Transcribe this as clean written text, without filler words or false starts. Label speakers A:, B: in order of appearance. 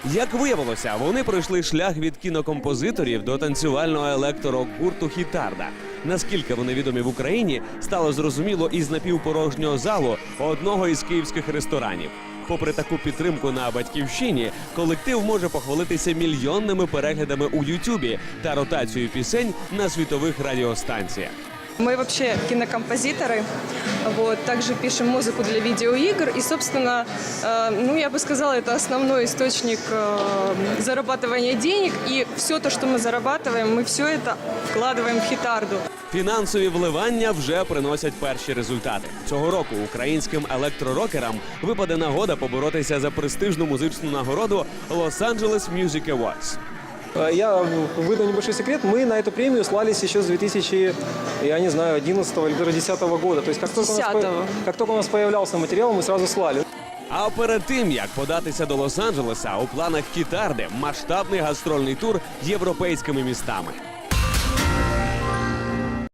A: Як виявилося, вони пройшли шлях від кінокомпозиторів до танцювального електророк-гурту «Хітарда». Наскільки вони відомі в Україні, стало зрозуміло із напівпорожнього залу одного із київських ресторанів. Попри таку підтримку на батьківщині, колектив може похвалитися мільйонними переглядами у Ютубі та ротацією пісень на світових радіостанціях.
B: Мы вообще кинокомпозиторы, вот, также пишем музыку для видеоигр. И, собственно, я бы сказала, это основной источник зарабатывания денег. И все то, что мы зарабатываем, мы все это вкладываем в «Хітарду».
A: Фінансові вливання вже приносять перші результати. Цього року українським електророкерам випаде нагода поборотися за престижну музичну нагороду Los Angeles Music Awards.
C: Я выдам небольшой секрет. Мы на эту премию слались еще с 2011 или даже 2010 года. То есть как только у нас появлялся материал, мы сразу слали.
A: А перед тим, як податися до Лос-Анджелеса, у планах «Хітарди» масштабний гастрольний тур європейськими містами.